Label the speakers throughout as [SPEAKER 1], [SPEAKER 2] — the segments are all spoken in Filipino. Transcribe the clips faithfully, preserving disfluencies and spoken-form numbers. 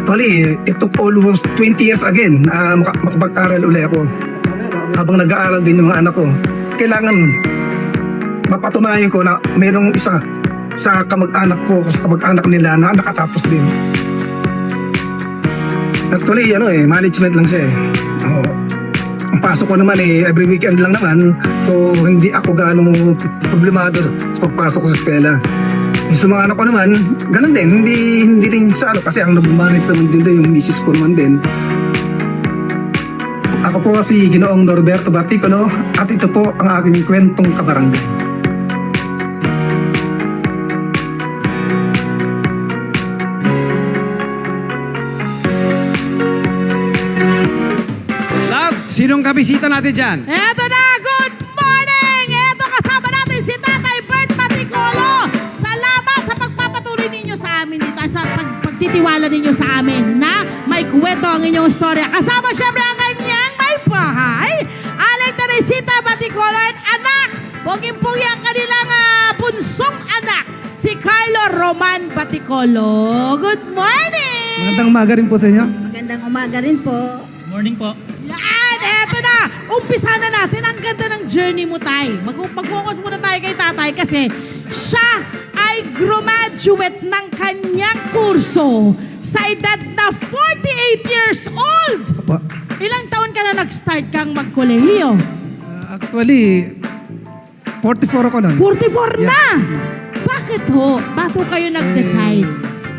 [SPEAKER 1] Actually, it took almost twenty years again na uh, makapag-aral uli ako. Habang nag-aaral din yung mga anak ko. Kailangan mapatunayan ko na mayroong isa sa kamag-anak ko, sa kamag-anak nila na nakatapos din. Actually, ano eh, management lang siya eh. Oh, ang pasok ko naman eh, every weekend lang naman. So, hindi ako ganong problemado sa pagpasok ko sa eskwela. Yung sa mga anak ko naman, ganun din. Hindi, hindi rin sa ano, kasi ang nag-manage naman din doon, yung misis ko naman din. Ako po si Ginoong Norberto Baticono at ito po ang aking kwentong kabarangay.
[SPEAKER 2] Love, sinong kabisita natin dyan?
[SPEAKER 3] Eto na, good morning! Eto kasama natin si Tatay Bert Baticolo. Salamat sa pagpapatuloy ninyo sa amin dito, sa pag pagtitiwala ninyo sa amin na may kwento ang inyong storya. Kasama siyempre ang kanyang may bahay, Aling Teresita Baticolo and anak, puging-pugi ang kanilang uh, punsong anak, si Carlo Roman Baticolo. Good morning!
[SPEAKER 1] Magandang umaga rin po sa inyo.
[SPEAKER 4] Magandang umaga rin po.
[SPEAKER 5] Morning po.
[SPEAKER 3] Yan, eto na. Umpisa na natin. Ang ganda ng journey mo, Tay. Mag- Mag-focus muna tayo kay Tatay kasi siya ay graduate ng kanyang kurso sa edad na forty-eight years old.
[SPEAKER 1] Opo.
[SPEAKER 3] Ilang taon ka na nag-start kang magkolehiyo?
[SPEAKER 1] Uh, actually, forty-four ako nun.
[SPEAKER 3] forty-four
[SPEAKER 1] Yeah.
[SPEAKER 3] na! Bakit ho? Bato kayo nag-decide?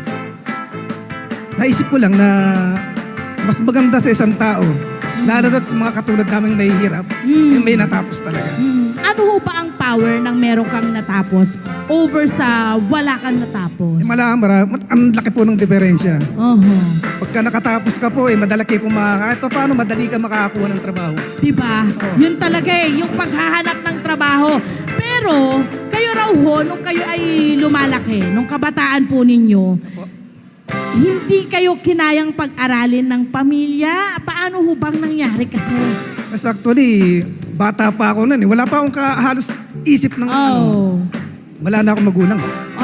[SPEAKER 1] Naisip ko lang na mas maganda sa isang tao, lalo na sa mga katulad naming nahihirap,
[SPEAKER 3] Mm.
[SPEAKER 1] yung may natapos talaga.
[SPEAKER 3] Hmm, ano ho ba ang power ng meron kang natapos over sa wala kang natapos?
[SPEAKER 1] Eh, malaman, mara, ang laki po ng diferensya.
[SPEAKER 3] Uh-huh.
[SPEAKER 1] Pagka nakatapos ka po, eh, madalaki po makaka... Ito paano, madali ka makakakuha ng trabaho.
[SPEAKER 3] Diba? Yun talaga eh, yung paghahanap ng trabaho. Pero, kayo raw ho, nung kayo ay lumalaki, nung kabataan po ninyo, hindi kayo kinayang pag-aralin ng pamilya? Paano ho bang nangyari kasi?
[SPEAKER 1] Mas actually, bata pa ako nun eh. Wala pa akong ka, halos isip ng ano.
[SPEAKER 3] Oh.
[SPEAKER 1] Wala na akong magulang.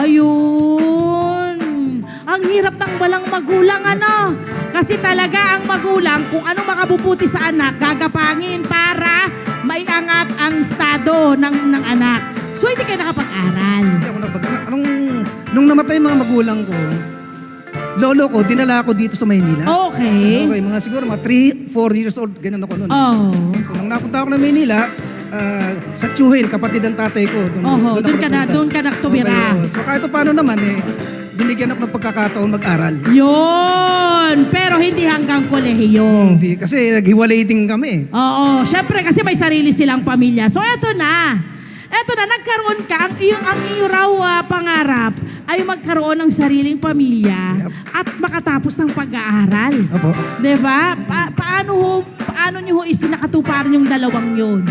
[SPEAKER 3] Ayun. Ang hirap ng walang magulang, ano? Kasi talaga ang magulang, kung ano makabubuti sa anak, gagapangin para maiangat ang estado ng, ng anak. So, hindi kayo nakapag-aral.
[SPEAKER 1] Hindi ako napag... Anong, nung namatay yung mga magulang ko, lolo ko, dinala ako dito sa Maynila.
[SPEAKER 3] Okay.
[SPEAKER 1] Okay, mga siguro mga three, four years old, ganun ako noon.
[SPEAKER 3] Oh.
[SPEAKER 1] So, nung napunta ako ng Maynila, uh, sa Tsuhin, kapatid ng tatay ko. Doon,
[SPEAKER 3] Oho, doon
[SPEAKER 1] ako
[SPEAKER 3] ka na,
[SPEAKER 1] napunta.
[SPEAKER 3] doon ka nagtumira.
[SPEAKER 1] Okay, oh. So kahit paano naman eh, binigyan ako ng pagkakataon mag-aral.
[SPEAKER 3] Yun! Pero hindi hanggang kolehiyo.
[SPEAKER 1] Hindi, kasi naghiwalay din kami.
[SPEAKER 3] Oo, syempre kasi may sarili silang pamilya. So eto na. Eto na, nagkaroon ka, ang iyong, ang iyong raw ah, pangarap ay magkaroon ng sariling pamilya
[SPEAKER 1] Yep.
[SPEAKER 3] at makatapos ng pag-aaral.
[SPEAKER 1] Opo.
[SPEAKER 3] Diba? Pa- paano ho, paano niyo ho isinakatuparan yung dalawang yun?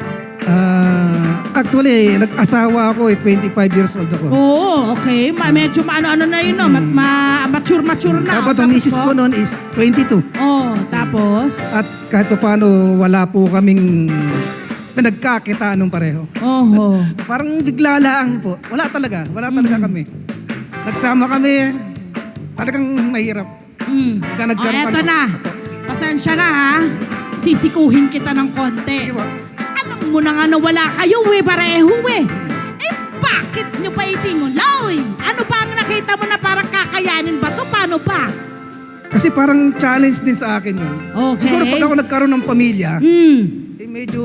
[SPEAKER 1] Ah, actually, nag-asawa ako eh, twenty-five years old ako.
[SPEAKER 3] Oo, okay. Ma- medyo maano-ano na yun, no? Mat- ma- mature-mature na.
[SPEAKER 1] Tapos ang misis ko noon is twenty-two.
[SPEAKER 3] Oo, tapos?
[SPEAKER 1] At kahit pa paano, wala po kaming nagkakita nung pareho.
[SPEAKER 3] Oho.
[SPEAKER 1] Parang bigla lang po. Wala talaga. Wala talaga
[SPEAKER 3] Mm.
[SPEAKER 1] kami. Nagsama kami. Talagang mahirap.
[SPEAKER 3] Mm.
[SPEAKER 1] Kaya
[SPEAKER 3] O,
[SPEAKER 1] nagkaroon
[SPEAKER 3] eto
[SPEAKER 1] pa-
[SPEAKER 3] na. Pasensya na, ha? Sisikuhin kita ng konti.
[SPEAKER 1] Sige po.
[SPEAKER 3] Alam mo na nga na wala kayo, eh, pareho, eh. Eh, bakit nyo pa itinguloy? Ano ba ang nakita mo na parang kakayanin ba to? Paano ba?
[SPEAKER 1] Kasi parang challenge din sa akin yun.
[SPEAKER 3] Okay.
[SPEAKER 1] Siguro pag ako nagkaroon ng pamilya,
[SPEAKER 3] Mm.
[SPEAKER 1] eh medyo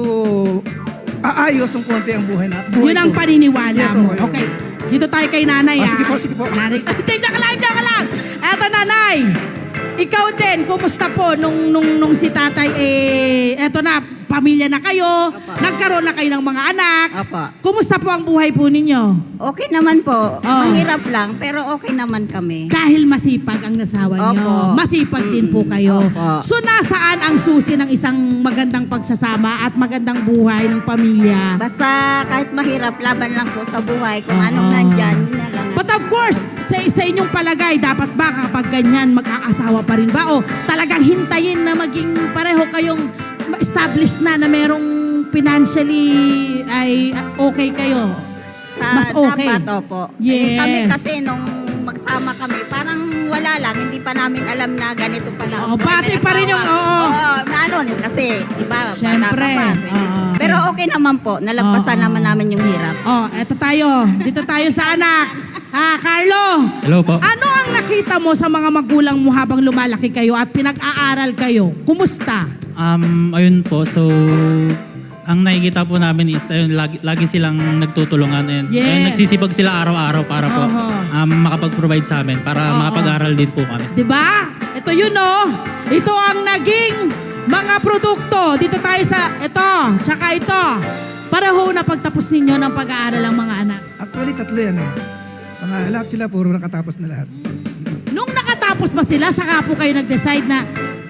[SPEAKER 1] aayos ang konti ang buhay na. Buhay
[SPEAKER 3] Yun ang
[SPEAKER 1] ko.
[SPEAKER 3] paniniwala
[SPEAKER 1] Yes,
[SPEAKER 3] mo.
[SPEAKER 1] okay.
[SPEAKER 3] Okay. Dito tayo kay nanay,
[SPEAKER 1] Ah,
[SPEAKER 3] ha?
[SPEAKER 1] sige po, sige po.
[SPEAKER 3] Nanay. Diyan ka lang, diyan ka lang. Eto, nanay. Ikaw din, kumusta po nung, nung, nung si tatay, eh, eto na, pamilya na kayo,
[SPEAKER 4] Apa.
[SPEAKER 3] nagkaroon na kayo ng mga anak.
[SPEAKER 4] Apa.
[SPEAKER 3] Kumusta po ang buhay po ninyo?
[SPEAKER 4] Okay naman po.
[SPEAKER 3] Oh.
[SPEAKER 4] Mahirap lang, pero okay naman kami.
[SPEAKER 3] Dahil masipag ang nasawa nyo.
[SPEAKER 4] Opo.
[SPEAKER 3] Masipag din po kayo.
[SPEAKER 4] Opo.
[SPEAKER 3] So, nasaan ang susi ng isang magandang pagsasama at magandang buhay ng pamilya?
[SPEAKER 4] Basta kahit mahirap, laban lang po sa buhay. Kung
[SPEAKER 3] Oo.
[SPEAKER 4] anong nandyan, yun na lang.
[SPEAKER 3] But of course, sa, sa inyong palagay, dapat ba kapag ganyan, mag-aasawa pa rin ba? O talagang hintayin na maging pareho kayong established na na merong financially ay okay kayo?
[SPEAKER 4] Sa
[SPEAKER 3] Mas okay.
[SPEAKER 4] dapat, opo.
[SPEAKER 3] Yes.
[SPEAKER 4] Eh, kami kasi nung magsama kami, parang wala wala lang, hindi pa namin alam na ganito pala.
[SPEAKER 3] Oo, bati pa rin yung- oo.
[SPEAKER 4] Oo, na ano, kasi, iba, bata
[SPEAKER 3] Siyempre.
[SPEAKER 4] ka pa.
[SPEAKER 3] Oo.
[SPEAKER 4] Pero okay naman po, nalagpasan
[SPEAKER 3] Oo.
[SPEAKER 4] naman namin yung hirap.
[SPEAKER 3] Oh, eto tayo. Dito tayo sa anak. Ah, Carlo.
[SPEAKER 2] Hello po.
[SPEAKER 3] Ano ang nakita mo sa mga magulang mo habang lumalaki kayo at pinag-aaral kayo? Kumusta?
[SPEAKER 5] Um, ayun po, so ang nakikita po namin is ayun, lagi, lagi silang nagtutulungan and
[SPEAKER 3] Yes.
[SPEAKER 5] ayun, nagsisipag sila araw-araw para po
[SPEAKER 3] Oho.
[SPEAKER 5] um, makapag-provide sa amin para
[SPEAKER 3] Oo.
[SPEAKER 5] makapag-aral din po kami.
[SPEAKER 3] 'Di ba? Ito yun oh. Ito ang naging mga produkto. Dito tayo sa ito, tsaka ito. Pareho na pagtapos ninyo ng pag-aaral ang mga anak.
[SPEAKER 1] Actually, tatlo yan eh. Mga lahat sila, puro nakatapos na lahat.
[SPEAKER 3] Nung nakatapos ba sila, saka po kayo nag-decide na,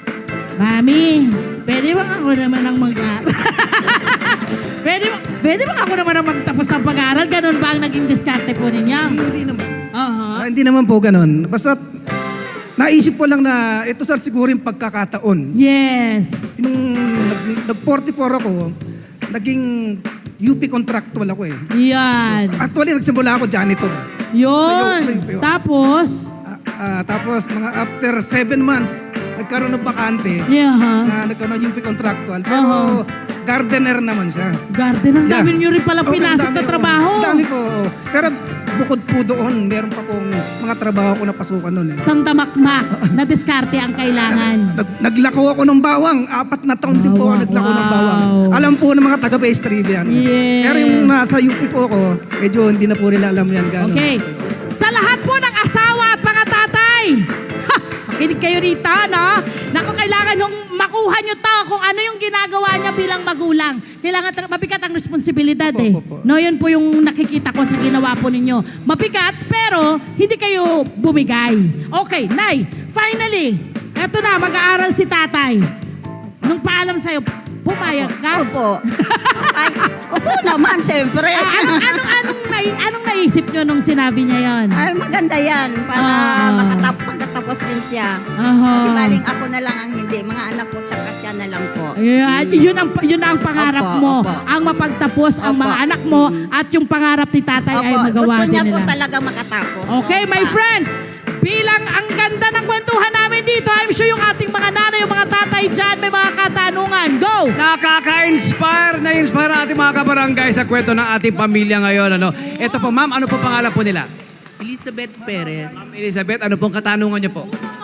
[SPEAKER 3] Mami, pwede ba ako naman ang mag-aaral? pwede, ba- pwede ba ako naman ang magtapos ng pag-aaral? Ganun ba ang naging diskarte po ninyo?
[SPEAKER 1] Hindi naman.
[SPEAKER 3] Aha.
[SPEAKER 1] Ah, hindi naman po ganun. Basta, naisip ko lang na ito sir siguro yung pagkakataon.
[SPEAKER 3] Yes.
[SPEAKER 1] Nung nag- nag-forty-four ako, naging U P contractual ako eh.
[SPEAKER 3] Yan.
[SPEAKER 1] Actually, nagsimula ako janitor.
[SPEAKER 3] Yun.
[SPEAKER 1] Sa'yo, sa'yo.
[SPEAKER 3] Tapos,
[SPEAKER 1] Ah, ah, tapos, mga after seven months, nagkaroon ng bakante
[SPEAKER 3] yeah, ha?
[SPEAKER 1] na nagkaroon ng U P contractual. Pero
[SPEAKER 3] Oo.
[SPEAKER 1] gardener naman siya.
[SPEAKER 3] Garden, ang
[SPEAKER 1] Yeah.
[SPEAKER 3] dami nyo rin pala
[SPEAKER 1] Oo,
[SPEAKER 3] pinasok
[SPEAKER 1] ang
[SPEAKER 3] na
[SPEAKER 1] dami,
[SPEAKER 3] trabaho.
[SPEAKER 1] oo. Ang dami po. oo. Pero bukod po doon, meron pa pong mga trabaho ko na pasukan noon eh.
[SPEAKER 3] Sandamakmak na diskarte ang kailangan.
[SPEAKER 1] Nag, naglako ako ng bawang. Apat na taon din po ako
[SPEAKER 3] Bawang,
[SPEAKER 1] naglako ng
[SPEAKER 3] wow.
[SPEAKER 1] bawang. Alam po ng mga taga-pastry yan.
[SPEAKER 3] Yes.
[SPEAKER 1] Pero yung nasa U P po ako, medyo hindi na po nila alam yan. Gano'n.
[SPEAKER 3] Okay. Sa lahat po ng asawa at mga tatay, ha, makinig kayo rito, no? Naku, kailangan nung makuha nyo to kung ano yung ginagawa niya bilang magulang. Kailangan tra- mabigat ang responsibilidad
[SPEAKER 1] Opo,
[SPEAKER 3] eh.
[SPEAKER 1] opo, opo.
[SPEAKER 3] No, yun po yung nakikita ko sa ginawa po ninyo. Mabigat, pero hindi kayo bumigay. Okay, Nay, finally, eto na, mag-aaral si tatay. Nung paalam sa'yo, pumayag ka?
[SPEAKER 4] Opo. Ay, opo naman, siyempre.
[SPEAKER 3] Ah, anong, anong, anong, nai, anong naisip nyo nung sinabi niya yon?
[SPEAKER 4] Ay, maganda yan para
[SPEAKER 3] Ah.
[SPEAKER 4] makatap pagkatapos din siya.
[SPEAKER 3] Aha.
[SPEAKER 4] Di baling ako na lang ang hindi. Mga anak ko tsaka siya na lang po.
[SPEAKER 3] Ayan, yun ang yun ang pangarap
[SPEAKER 4] Opo,
[SPEAKER 3] mo.
[SPEAKER 4] opo.
[SPEAKER 3] Ang mapagtapos ang
[SPEAKER 4] Opo.
[SPEAKER 3] mga anak mo at yung pangarap ni tatay ay
[SPEAKER 4] Opo,
[SPEAKER 3] magawa
[SPEAKER 4] gusto
[SPEAKER 3] din
[SPEAKER 4] niya po
[SPEAKER 3] nila.
[SPEAKER 4] talaga makatapos.
[SPEAKER 3] Okay, my
[SPEAKER 4] Opo.
[SPEAKER 3] friend. Bilang ang ganda ng kwentuhan namin dito, I'm sure yung ating mga nanay, yung mga tatay dyan, may mga katanungan. Go!
[SPEAKER 2] Nakaka-inspire, na-inspire ang ating mga kabarangay sa kwento ng ating pamilya ngayon. Ano? Ito po, ma'am, ano po pangalan po nila?
[SPEAKER 6] Elizabeth Perez.
[SPEAKER 2] Ma'am Elizabeth, ano pong katanungan niyo po?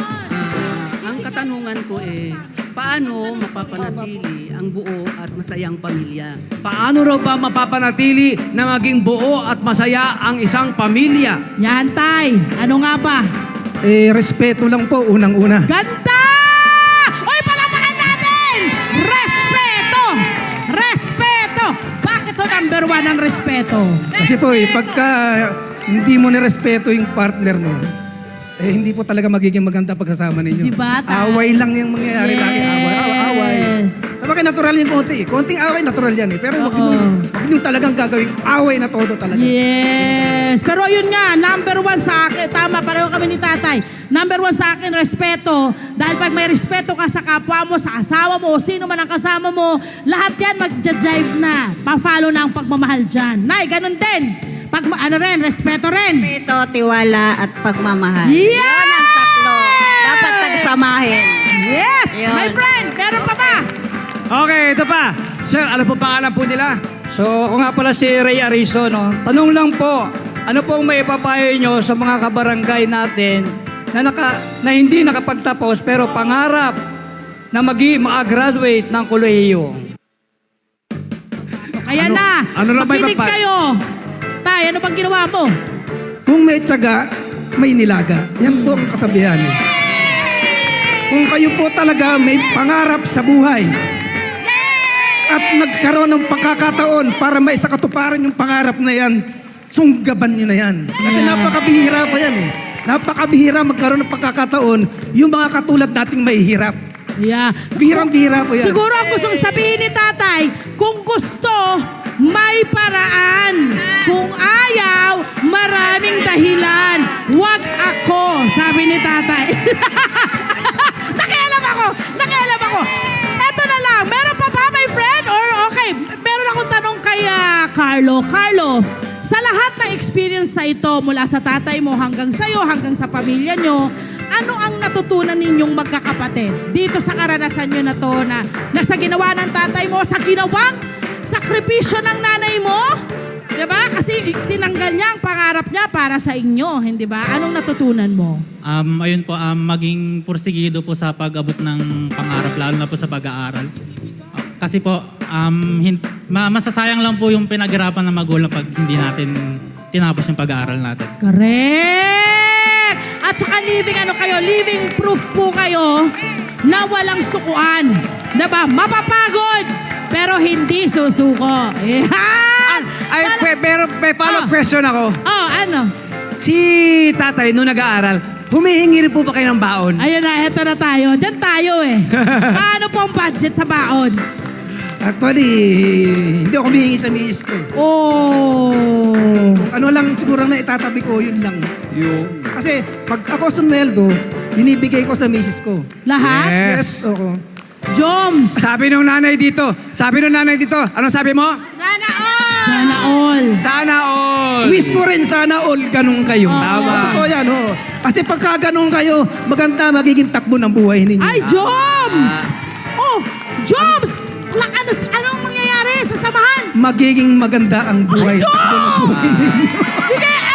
[SPEAKER 6] Ang katanungan ko eh, paano mapapanatili ang buo at masayang pamilya?
[SPEAKER 2] Paano raw ba mapapanatili na maging buo at masaya ang isang pamilya?
[SPEAKER 3] Yan, tay. Ano nga ba?
[SPEAKER 1] Eh, respeto lang po, unang-una.
[SPEAKER 3] Ganda! Uy, palakpakan natin! Respeto! Respeto! Bakit to number one ang respeto?
[SPEAKER 1] Kasi po eh, pagka hindi mo nirespeto yung partner mo, eh hindi po talaga magiging maganda pagsasama ninyo.
[SPEAKER 3] Diba, ta?
[SPEAKER 1] Away lang yung mangyayari lagi. Away, away, away. Sa bagay, natural yung konti eh. Konting away, natural yan eh. Pero wag
[SPEAKER 3] Oo.
[SPEAKER 1] yung, wag yung talagang gagawin away na todo talaga.
[SPEAKER 3] Yes. Pero yun nga, number one sa akin, tama, pareho kami ni tatay. Number one sa akin, respeto. Dahil pag may respeto ka sa kapwa mo, sa asawa mo, o sino man ang kasama mo, lahat yan mag-jive na. Pa-follow na ang pagmamahal dyan. Nay, ganun din. Pag, ano rin, respeto rin.
[SPEAKER 4] Respeto, tiwala, at pagmamahal.
[SPEAKER 3] Yeah!
[SPEAKER 4] Yun ang tatlo. Dapat pagsamahin.
[SPEAKER 3] Yes!
[SPEAKER 4] Yun.
[SPEAKER 3] My friend, meron pa ba?
[SPEAKER 2] Okay, ito pa. Sir, ano po pangalan po nila?
[SPEAKER 7] So, ako nga pala si Ray Arizo, no? Tanong lang po, ano pong may ipapayo nyo sa mga kabarangay natin na, naka, na hindi nakapagtapos pero pangarap na magi ma-graduate ng kolehiyo?
[SPEAKER 3] Kaya
[SPEAKER 2] Ano-
[SPEAKER 3] na,
[SPEAKER 2] ano na ba
[SPEAKER 3] makinig
[SPEAKER 2] ipapa-
[SPEAKER 3] kayo. Tay, ano bang ginawa mo?
[SPEAKER 1] Kung may tiyaga, may nilaga. Yan po ang kasabihan eh. Kung kayo po talaga may pangarap sa buhay at nagkaroon ng pagkakataon para maisakatuparan yung pangarap na yan, sunggaban nyo na yan. Kasi
[SPEAKER 3] Yeah.
[SPEAKER 1] napakabihira pa yan eh. Napakabihira magkaroon ng pagkakataon yung mga katulad nating mahihirap.
[SPEAKER 3] Yeah.
[SPEAKER 1] Bihirang-bihira po yan.
[SPEAKER 3] Siguro ang gustong sabihin ni tatay, kung gusto, may paraan. Kung ayaw, maraming dahilan. Wag ako, sabi ni tatay. Nakialam ako! Nakialam ako! Eto na lang, meron pa ba, my friend? Or okay, meron akong tanong kay ah, Carlo. Carlo, sa lahat ng experience na ito, mula sa tatay mo hanggang sa'yo, hanggang sa pamilya nyo, ano ang natutunan ninyong magkakapatid dito sa karanasan nyo na to na, na sa ginawa ng tatay mo, sa ginawang sakripisyo ng nanay mo? Diba? Kasi tinanggal niya ang pangarap niya para sa inyo, hindi ba? Anong natutunan mo?
[SPEAKER 5] Um, ayun po, um, maging pursigido po sa pag-abot ng pangarap, lalo na po sa pag-aaral. Kasi po, um, hin- ma- masasayang lang po yung pinaghirapan ng magulang pag hindi natin tinapos yung pag-aaral natin.
[SPEAKER 3] Correct! At saka living ano kayo, living proof po kayo na walang sukuan. Diba? Mapapagod, pero hindi susuko. Yan!
[SPEAKER 2] Ay,
[SPEAKER 3] Wala-
[SPEAKER 2] pe- pero may follow-up
[SPEAKER 3] Ah.
[SPEAKER 2] question ako.
[SPEAKER 3] Oh, ano?
[SPEAKER 2] Si tatay, nung nag-aaral, humihingi rin po ba kayo ng baon?
[SPEAKER 3] Ayun na, eto na tayo. Diyan tayo eh. Paano po ang budget sa baon?
[SPEAKER 1] Actually, hindi ako humihingi sa miis ko.
[SPEAKER 3] Oh.
[SPEAKER 1] Kung ano lang siguro na itatabi ko, yun lang.
[SPEAKER 2] Yung.
[SPEAKER 1] Kasi pag ako sumweldo, binibigay ko sa misis ko.
[SPEAKER 3] Lahat?
[SPEAKER 2] Yes.
[SPEAKER 1] Oo.
[SPEAKER 3] Joms.
[SPEAKER 2] Sabi nung nanay dito, sabi nung nanay dito, anong sabi mo?
[SPEAKER 4] Sana all!
[SPEAKER 3] Sana all.
[SPEAKER 2] Sana all.
[SPEAKER 1] Wish ko rin sana all ganun kayo.
[SPEAKER 2] Tama.
[SPEAKER 1] Totoo yan, oo. Kasi pagka ganun kayo, maganda magiging takbo ng buhay ninyo.
[SPEAKER 3] Ay, Joms! Oh, Joms! La, ano, anong mangyayari sa samahan?
[SPEAKER 1] Magiging maganda ang
[SPEAKER 3] Ay,
[SPEAKER 1] buhay.
[SPEAKER 3] Joms! Sige,